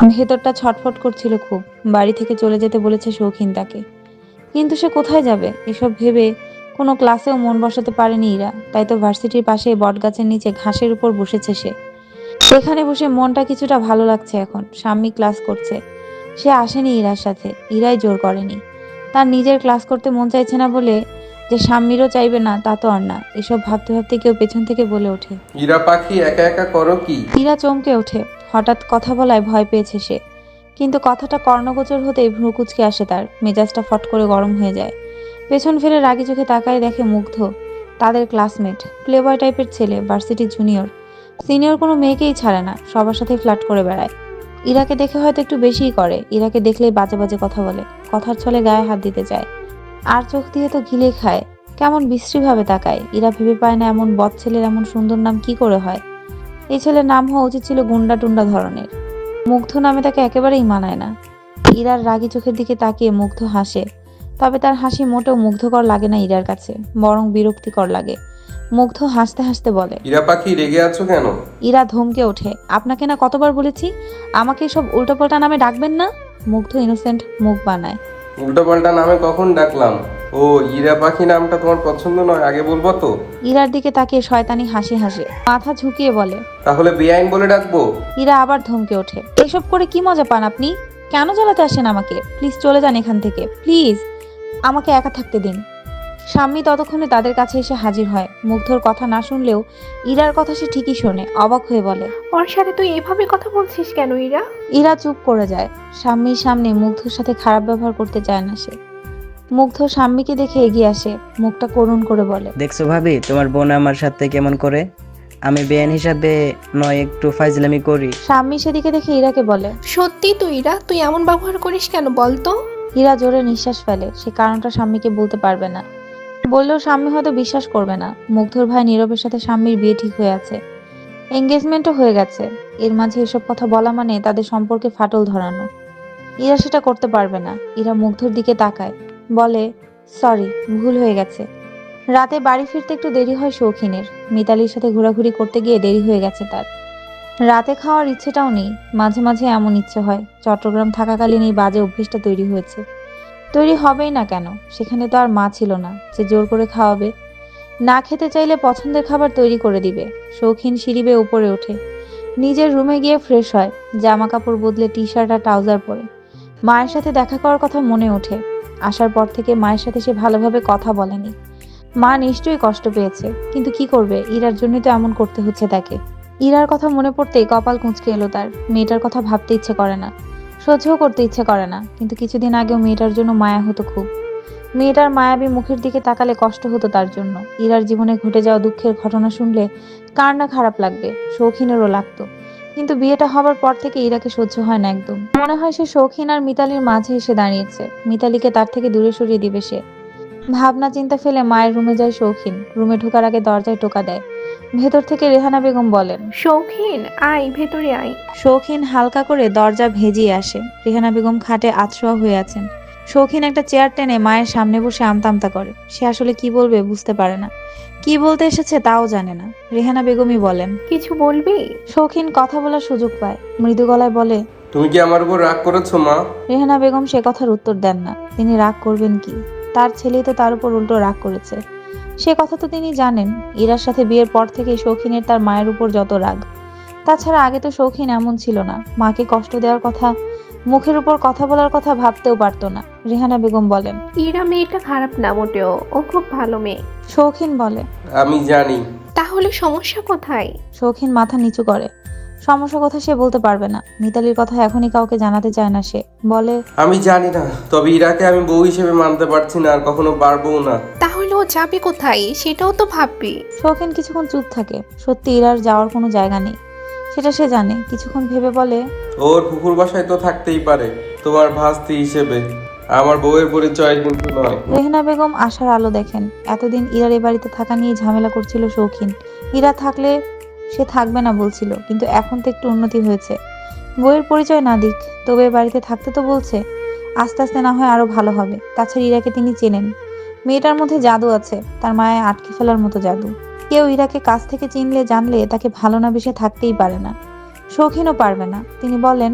ভেতরটা ছটফট করছিল খুব। বাড়ি থেকে চলে যেতে বলেছে শৌখিন তাকে, কিন্তু সে কোথায় যাবে এসব ভেবে কোনো ক্লাসেও মন বসাতে পারেনি ইরা। তাই তো ভার্সিটির পাশে বটগাছের নিচে ঘাসের উপর বসেছে সে। সেখানে বসে মনটা কিছুটা ভালো লাগছে এখন। সাম্মি ক্লাস করছে, সে আসেনি ইরার সাথে, ইরাই জোর করেনি। তার নিজের ক্লাস করতে মন চাইছে না বলে যে সাম্মিরও চাইবে না তা তো আর না। এসব ভাবতে ভাবতে কেউ পেছন থেকে বলে ওঠে, ইরা পাখি, একা একা করো কি? ইরা চমকে ওঠে। হঠাৎ কথা বলায় ভয় পেয়েছে সে, কিন্তু কথাটা কর্ণগোচর হতেই ভ্রু কুঁচকে আসে তার। মেজাজটা ফট করে গরম হয়ে যায়। পেছন ফিরে রাগী চোখে তাকায়, দেখে মুগ্ধ, তাদের ক্লাসমেট, প্লেবয় টাইপের ছেলে, ভার্সিটির জুনিয়র। সিনিয়র কোনো মেয়েকেই ছাড়ে না, সবার সাথেই ফ্লার্ট করে বেড়ায়। ইরাকে দেখে হয়তো একটু বেশিই করে। ইরাকে দেখলেই বাজে বাজে কথা বলে, কথার ছলে গায়ে হাত দিতে চায়, আর চোখ দিয়ে তো গিলে খায়। কেমন বিশ্রীভাবে তাকায়। ইরা ভেবে পায় না এমন বদ ছেলের এমন সুন্দর নাম কি করে হয়। এই ছেলের নাম হওয়া উচিত ছিল গুন্ডা টুন্ডা ধরনের। মুগ্ধ নামে তাকে একেবারেই মানায় না। ইরার রাগী চোখের দিকে তাকিয়ে মুগ্ধ হাসে, তবে তার হাসি মোটেও মুগ্ধকর লাগে না ইরার কাছে, বরং বিরক্তিকর লাগে। মুগ্ধ হাসতে হাসতে বলে, ইরা পাখি, রেগে আছো কেন? ইরা ধমকে ওঠে, আপনাকে না কতবার বলেছি আমাকে সব উল্টোপাল্টা নামে ডাকবেন না। মুগ্ধ ইনোসেন্ট মুখ বানায়, উল্টোপাল্টা নামে কখন ডাকলাম? ও, ইরা পাখি নামটা তোমার পছন্দ নয়, আগে বলবো তো। ইরার দিকে তাকিয়ে শয়তানি হাসি হাসে, মাথা ঝুঁকিয়ে বলে, তাহলে বেআইন বলে ডাকবো? ইরা আবার ধমকে ওঠে, এসব করে কি মজা পান আপনি? কেন জ্বালাতে আসেন আমাকে? প্লিজ চলে যান এখান থেকে, প্লিজ আমাকে একা থাকতে দিন। স্বামী ততক্ষণে তাদের কাছে এসে হাজির হয়। মুগ্ধর কথা না শুনলেও ইরার কথা সে ঠিকই শোনে। অবাক হয়ে বলে, ওর সাথে তুই এভাবে কথা বলছিস কেন ইরা? ইরা চুপ করে যায়। স্বামীর সামনে মুগ্ধর সাথে খারাপ ব্যবহার করতে চায় না সে। মুগ্ধ স্বামীকে দেখে এগিয়ে আসে, মুখটা করুণ করে বলে, দেখছো ভাবি, তোমার বোন আমার সাথে কেমন করে? আমি বেআইন হিসাবে নয়, একটু ফাইজলামি করি। স্বামী সেদিকে দেখে ইরাকে বলে, সত্যি তুই ইরা, তুই এমন ব্যবহার করিস কেন বলতো? ইরা জোরে নিঃশ্বাস ফেলে। সে কারণটা স্বামীকে বলতে পারবে না, বললেও স্বামী হয়তো বিশ্বাস করবে না। মুগ্ধর ভাই নীরবের সাথে স্বামীর বিয়ে ঠিক হয়ে আছে, এঙ্গেজমেন্টও হয়ে গেছে। এর মাঝে এসব কথা বলা মানে তাদের সম্পর্কে ফাটল ধরানো। ইরা সেটা করতে পারবে না। ইরা মুগ্ধর দিকে তাকায়, বলে, সরি, ভুল হয়ে গেছে। রাতে বাড়ি ফিরতে একটু দেরি হয় শৌখিনের। মিতালির সাথে ঘোরাঘুরি করতে গিয়ে দেরি হয়ে গেছে তার। রাতে খাওয়ার ইচ্ছেটাও নেই। মাঝে মাঝে এমন ইচ্ছে হয়, চট্টগ্রাম থাকাকালীন এই বাজে অভ্যেসটা তৈরি হয়েছে। তৈরি হবেই না কেন? সেখানে তো আর মা ছিল না যে জোর করে খাওয়াবে। না খেতে চাইলে পছন্দের খাবার তৈরি করে দিবে। শৌখিন সিঁড়ি বেয়ে উপরে ওঠে, নিজের রুমে গিয়ে ফ্রেশ হয়, জামা কাপড় বদলে টি শার্ট আর ট্রাউজার পরে। মায়ের সাথে দেখা করার কথা মনে ওঠে। আসার পর থেকে মায়ের সাথে সে ভালোভাবে কথা বলেনি। মা নিশ্চয়ই কষ্ট পেয়েছে, কিন্তু কি করবে, ইরার জন্যই তো এমন করতে হচ্ছে তাকে। ইরার কথা মনে পড়তেই কপাল কুঁচকে এলো তার। মেয়েটার কথা ভাবতে ইচ্ছে করে না, সহ্যও করতে ইচ্ছে করে না, কিন্তু কিছুদিন আগেও মেয়েটার জন্য মায়া হতো খুব। মেয়েটার মায়াবী মুখের দিকে তাকালে কষ্ট হতো তার জন্য। ইরার জীবনে ঘটে যাওয়া দুঃখের ঘটনা শুনলে কার না খারাপ লাগবে, শৌখিনেরও লাগতো। কিন্তু বিয়েটা হবার পর থেকে ইরাকে সহ্য হয় না একদম। মনে হয় সে শৌখিন আর মিতালির মাঝে এসে দাঁড়িয়েছে, মিতালিকে তার থেকে দূরে সরিয়ে দিবে সে। ভাবনা চিন্তা ফেলে মায়ের রুমে যায় শৌখিন। রুমে ঢোকার আগে দরজায় টোকা দেয়। ভেতর থেকে রেহানা বেগম বলেন, শৌখিন, আয় ভেতরে আয়। শৌখিন হালকা করে দরজা ভেজিয়ে আসে। রেহানা বেগম খাটে আতশোয়া হয়ে আছেন। শৌখিন একটা চেয়ার টেনে মায়ের সামনে বসে আমতা আমতা করে। সে আসলে কি বলবে বুঝতে পারে না, কি বলতে এসেছে তাও জানে না। রেহানা বেগমই বলেন, কিছু বলবি? শৌখিন কথা বলার সুযোগ পায়, মৃদু গলায় বলে, তুমি কি আমার উপর রাগ করেছো মা? রেহানা বেগম সে কথার উত্তর দেন না। তিনি রাগ করবেন কি? তার ছেলেই তো তার উপর উল্টো রাগ করেছে। সে কথা তো তিনি জানেন। ইরার সাথে বিয়ের পর থেকে শৌখিনের তার মায়ের উপর যত রাগ। তাছাড়া আগে তো শৌখিন এমন ছিল না। মাকে কষ্ট দেওয়ার কথা, মুখের উপর কথা বলার কথা ভাবতেও পারতো না। রেহানা বেগম বলেন, ইরা মেয়েটা খারাপ না মোটেও, ও খুব ভালো মেয়ে। শৌখিন বলে, আমি জানি। তাহলে সমস্যা কোথায়? শৌখিন মাথা নিচু করে। সমস্যা কথা সে বলতে পারবে না। মিতালির কথা এখনই কাউকে জানাতে চায় না সে। বলে, আমি জানি না, তবে ইরাকে আমি বউ হিসেবে মানতে পারছি না, আর কখনো পারবও না। তাহলে ও যাবে কোথায় সেটাও তো ভাববি। শৌখিন কিছুক্ষণ চুপ থাকে। সত্যি ইরার যাওয়ার কোনো জায়গা নেই, সেটা সে জানে। কিছুক্ষণ ভেবে বলে, ওর ফুফুর বাসায় তো থাকতেই পারে, তোমার ভাস্তি হিসেবে। আমার বউয়ের পরিচয় কিন্তু নয়। রেহনা বেগম আশার আলো দেখেন। এতদিন ইরার এ বাড়িতে থাকা নিয়ে ঝামেলা করছিল শৌখিন। ইরা থাকলে সে থাকবে না বলছিল, কিন্তু এখন তো একটু উন্নতি হয়েছে। বইয়ের পরিচয় না দিক, তবে এ বাড়িতে থাকতে তো বলছে। আস্তে আস্তে না হয় আরো ভালো হবে। তাছাড়া ইরাকে তিনি চেনেন। মেয়েটার মধ্যে জাদু আছে, তার মায়ায় আটকে ফেলার মতো জাদু। কেউ ইরাকে কাছ থেকে চিনলে জানলে তাকে ভালো না বেশে থাকতেই পারে না। শৌখিনও পারবে না। তিনি বলেন,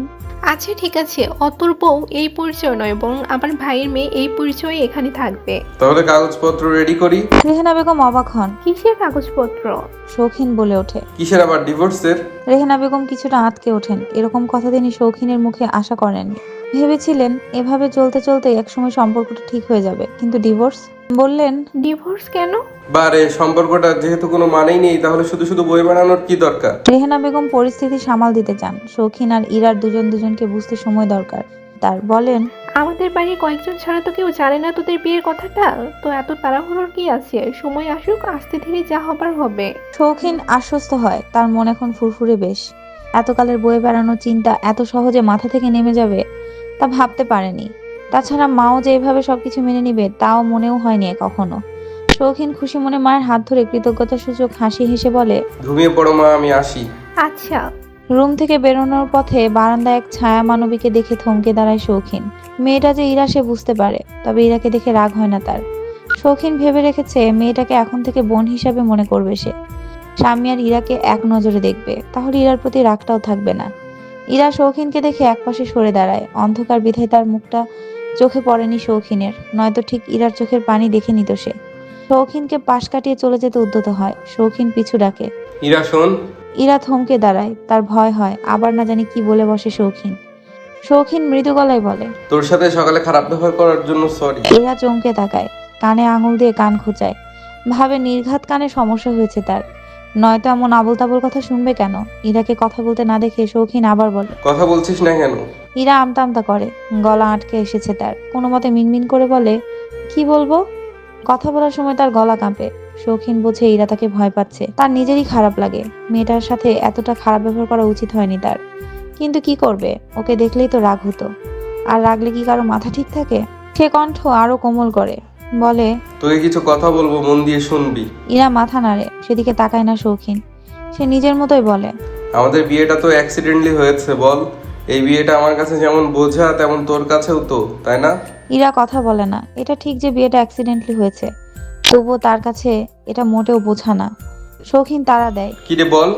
আচ্ছা ঠিক আছে, অতর বউ এই পরিচয় নয়, বরং আমার ভাইয়ের মেয়ে এই পরিচয়ে এখানে থাকবে। তাহলে কাগজপত্র রেডি করি। রেহানা বেগম অবাক হন। কিসের কাগজপত্র? শৌখিন বলে ওঠে। কিসের আবার ডিভোর্সের? রেহানা বেগম কিছুটা আঁতকে ওঠেন। এরকম কথা তিনি শৌখিনের মুখে আশা করেননি। ভেবেছিলেন এভাবে চলতে চলতে একসময় সম্পর্কটা ঠিক হয়ে যাবে, কিন্তু ডিভোর্স? বললেন, ডিভোর্স কেন? বারে সম্পর্কটা যেহেতু কোনো মানেই নেই, তাহলে শুধু শুধু বই বানানোর কি দরকার? রেহানা বেগম পরিস্থিতি সামাল দিতে চান। শৌখিন আর ইরার দুজনকে বুঝতে সময় দরকার তার। বলেন, আমাদের বাড়ির কয়েকজন ছাড়া তো কেউ জানে না তোদের বিয়ের কথাটা। তো এত তাড়াহুড়োর কি আছে? সময় আসুক, আস্তে ধীরে যা হবার হবে। শৌখিন আশ্বস্ত হয়। তার মন এখন ফুরফুরে বেশ। এতকালের বয়ে বেড়ানোর চিন্তা এত সহজে মাথা থেকে নেমে যাবে তা ভাবতে পারেনি। তাছাড়া মাও যে এভাবে সবকিছু মেনে নিবে তাও মনেও হয়নি কখনো। শৌখিন খুশি মনে মায়ের হাত ধরে কৃতজ্ঞতা সূচক হাসি হেসে বলে, ঘুমিয়ে পড়ো মা, আমি আসি। আচ্ছা। রুম থেকে বেরোনোর পথে বারান্দায় এক ছায়া মানবীকে দেখে থমকে দাঁড়ায় শৌখিন। মেয়েটা যে ইরা সে বুঝতে পারে, তবে ইরাকে দেখে রাগ হয় না তার। শৌখিন ভেবে রেখেছে মেয়েটাকে এখন থেকে বোন হিসাবে মনে করবে সে। স্বামী আর ইরাকে এক নজরে দেখবে, তাহলে ইরার প্রতি রাগটাও থাকবে না। ইরা শৌখিনকে দেখে একপাশে সরে দাঁড়ায়। অন্ধকার বিধায় তার মুখটা চোখে পড়েনি শৌখিনের, নয়তো ঠিক ইরার চোখের পানি দেখে নিত সে। শৌখিনকে পাশ কাটিয়ে চলে যেতে উদ্যত হয়। শৌখিন পিছু ডাকে। ইরা শোন। ইরা থমকে দাঁড়ায়। তার ভয় হয় আবার না জানি কি বলে বসে শৌখিন। শৌখিন মৃদু গলায় বলে, তোর সাথে সকালে খারাপ ব্যবহার করার জন্য সরি। ইরা চমকে তাকায়, কানে আঙুল দিয়ে কান খোঁচায়। ভাবে নির্ঘাত কানে সমস্যা হয়েছে তার, নয়তো এমন আবোল তাবোল কথা শুনবে কেন। ইরাকে কথা বলতে না দেখে শৌখিন আবার বলে, কথা বলছিস না কেন? ইরা আমতা আমতা করে, গলা আটকে এসেছে তার। কোনো মতে মিনমিন করে বলে, কি বলবো। কথা বলার সময় তার গলা কাঁপে। শৌখিন বোঝে ইরা তাকে ভয় পাচ্ছে। তার নিজেরই খারাপ লাগে। মেয়েটার সাথে এতটা খারাপ ব্যবহার করা উচিত হয়নি তার, কিন্তু কি করবে, ওকে দেখলেই তো রাগ হতো। আর রাগলে কি কারো মাথা ঠিক থাকে? সে কণ্ঠ আরো কোমল করে বলে, তোকে কিছু কথা বলবো, মন দিয়ে শুনবি। ইরা মাথা নাড়ে, সেদিকে তাকায় না শৌখিন। সে নিজের মতোই বলে, আমাদের বিয়েটা তো অ্যাক্সিডেন্টলি হয়েছে বল। এই বিয়েটা আমার কাছে যেমন বোঝা, তেমন তোর কাছেও তো, তাই না? ইরা কথা বলে না। এটা ঠিক যে বিয়েটা অ্যাক্সিডেন্টলি হয়েছে, তবুও তার কাছে এটা মোটেও বোঝা না। শৌখিন তাড়া দেয়, কি রে বল।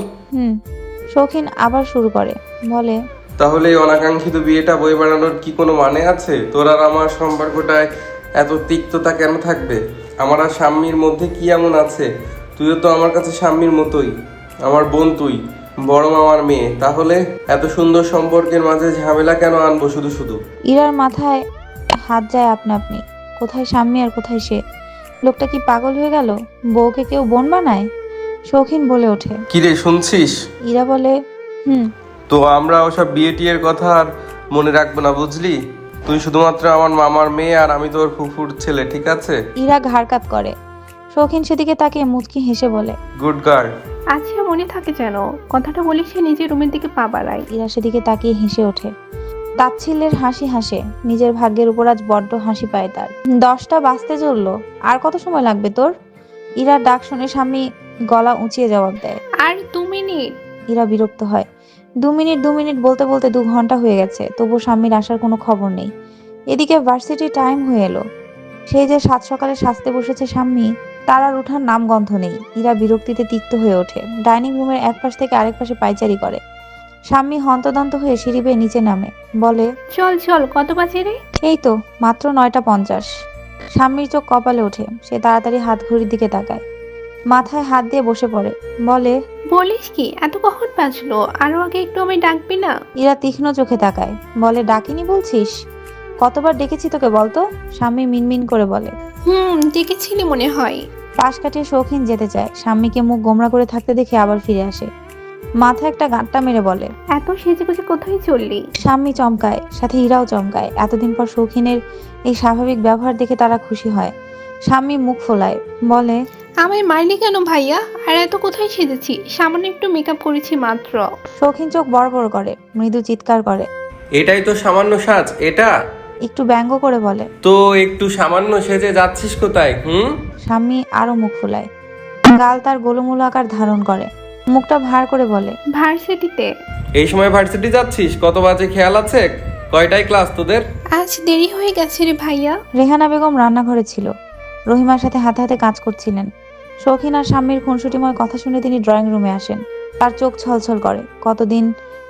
শৌখিন আবার শুরু করে বলে, তাহলে এই অনাকাঙ্ক্ষিত বিয়েটা বই বানানোর কি কোনো মানে আছে? তোর আর আমার সম্পর্কটায় এত তিক্ততা কেন থাকবে? আমার আর শাম্মীর মধ্যে কি এমন আছে? তুইও তো আমার কাছে শাম্মীর মতোই, আমার বোন তুই, বড় মামার মেয়ে। তাহলে এত সুন্দর সম্পর্কের মাঝে ঝামেলা কেন আনবো শুধু শুধু? ইরার মাথায় হাত যায় আপনা আপনি। কোথায় স্বামী আর কোথায় সে? লোকটা কি পাগল হয়ে গেল? বউকে কেউ বোন বানায়? শৌখিন বলে ওঠে। কি রে, শুনছিস? ইরা বলে, তো আমরা ওসব বিয়ে টিয়ের কথা আর মনে রাখবো না, বুঝলি? তুই শুধুমাত্র আমার মামার মেয়ে আর আমি তোর ফুফুর ছেলে, ঠিক আছে? ইরা ঘাড় কাত করে। শৌখিন সেদিকে তাকিয়ে মুচকি হেসে বলে, গুড গার্ল। আচ্ছা, মনে থাকে যেন। কথাটা বলি সে নিজের রুমের দিকে পা বাড়ায়। ইরা সেদিকে তাকিয়ে হেসে ওঠে। তাচ্ছিল্যের হাসি হাসে। নিজের ভাগ্যের উপর আজ বড্ড হাসি পায় তার। 10টা বাজতে চললো, আর কত সময় লাগবে তোর? ইরার ডাক শুনে স্বামী গলা উঁচিয়ে জবাব দেয়, আর 2 মিনিট। ইরা বিরক্ত হয়। 2 মিনিট বলতে বলতে 2 ঘন্টা হয়ে গেছে, তবু স্বামীর আসার কোনো খবর নেই। এদিকে ভার্সিটি টাইম হয়ে এলো। সেই যে সাত সকালে সাজতে বসেছে স্বামী, তার আর ওঠার নাম গন্ধ নেই। ইরা বিরক্তিতে তিক্ত হয়ে ওঠে। ডাইনিং রুমের এক পাশ থেকে আরেক পাশে পায়চারি করে। স্বামী হন্তদন্ত হয়ে সিঁড়ি বেয়ে নিচে নামে, বলে, চল চল, কত বাজে রে? এই তো মাত্র 9টা 50। স্বামীর চোখ কপালে ওঠে। সে তাড়াতাড়ি হাত ঘড়ির দিকে তাকায়, মাথায় হাত দিয়ে বসে পড়ে, বলে, বলিস কি, এত কখন বাজলো? আরো আগে একটু আমায় ডাকবি না? ইরা তীক্ষ্ণ চোখে তাকায়, বলে, ডাকিনি বলছিস? কতবার ডেকেছি তোকে বলতো? স্বামী মিনমিন করে বলে। ডেকেছিলি মনে হয়। পাশ কাটিয়ে শৌখিন যেতে চায়। স্বামীকে মুখ গোমরা করে থাকতে দেখে আবার ফিরে আসে। মাথায় একটা গাঁটটা মেরে বলে, এত সেজেগুজে কোথায় চললি? স্বামী চমকায়, সাথে ইরাও চমকায়। এতদিন পর শৌখিনের এই স্বাভাবিক ব্যবহার দেখে তারা খুশি হয়। স্বামী মুখ ফোলায়, বলে, আমায় মারলি কেন ভাইয়া? আর এত কোথায় সেজেছি? সামান্য একটু মেকআপ করেছি মাত্র। শৌখিন চোখ বড় বড় করে, মৃদু চিৎকার করে, এটাই তো সামান্য সাজ এটা? একটু ব্যঙ্গ করে বলে। তো একটু সামান্য সেজে যাচ্ছিস কোথায়? স্বামী আরো মুখ ফোলায়, গাল তার গোলুমুলো আকার ধারণ করে, মুখটা ভার করে বলে, ভার্সিটিতে। এই সময় ভার্সিটি যাচ্ছিস? কত বাজে খেয়াল আছে? কয়টায় ক্লাস তোদের? আজ দেরি হয়ে গেছে রে ভাইয়া। রেহানা বেগম রান্নাঘরে ছিল, রহিমার সাথে হাতে হাতে কাজ করছিলেন। শৌখিন আর স্বামীর খুনসুটিময় কথা শুনে তিনি ড্রয়িং রুমে আসেন। তার চোখ ছলছল করে। কতদিন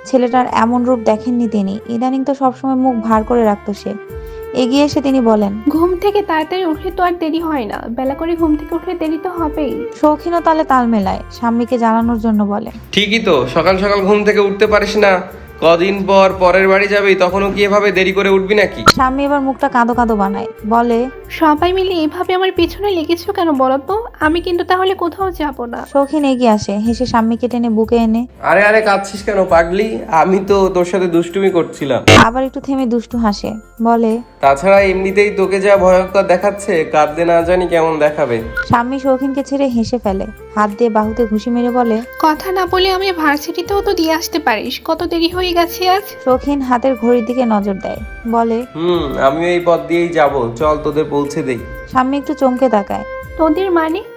ছেলেটার এমন রূপ দেখেননি তিনি। ইদানিং তো সবসময় মুখ ভার করে রাখতো সে। এগিয়ে এসে তিনি বলেন, ঘুম থেকে তাড়াতাড়ি উঠলে তো আর দেরি হয় না, বেলা করে ঘুম থেকে উঠলে দেরি তো হবেই। শৌখিনও তালে তাল মেলায়, স্বামীকে জানানোর জন্য বলে। ঠিকই তো, সকাল সকাল ঘুম থেকে উঠতে পারিস না? কদিন পর পরের বাড়ি যাবি, তখনও কি এভাবে দেরি করে উঠবি নাকি? স্বামী এবার মুখটা কাঁদো কাঁদো বানায়, বলে। সবাই মিলে এভাবে আমার পিছনে লেগেছো কেন বলো তো? আমি কিন্তু তাহলে কোথাও যাব না। শৌখিন এগিয়ে আসে, হেসে স্বামীকে টেনে বুকে এনে আরে আরে, কাঁদছিস কেন পাগলি? আমি তো তোর সাথে দুষ্টুমি করছিলাম। আবার একটু থেমে দুষ্টু হাসে, বলে। তাছাড়া এমনিতেই তোকে যা ভয়ঙ্কর দেখাচ্ছে, কাঁদতে না জানি কেমন দেখাবে। স্বামী শৌখিনকে ছেড়ে হেসে ফেলে, হাত দিয়ে বাহুতে ঘুষি মেরে বলে। কথা না বলে আমি ভার্সিটিতেও তো দিয়ে আসতে পারিস, কত দেরি হয়ে গেছে আজ। শৌখিন হাতের ঘড়ির দিকে নজর দেয়, বলে। আমিও এই পথ দিয়েই যাব, চল তোদের পৌঁছে দেই। স্বামী একটু চমকে তাকায়। তোদের মানে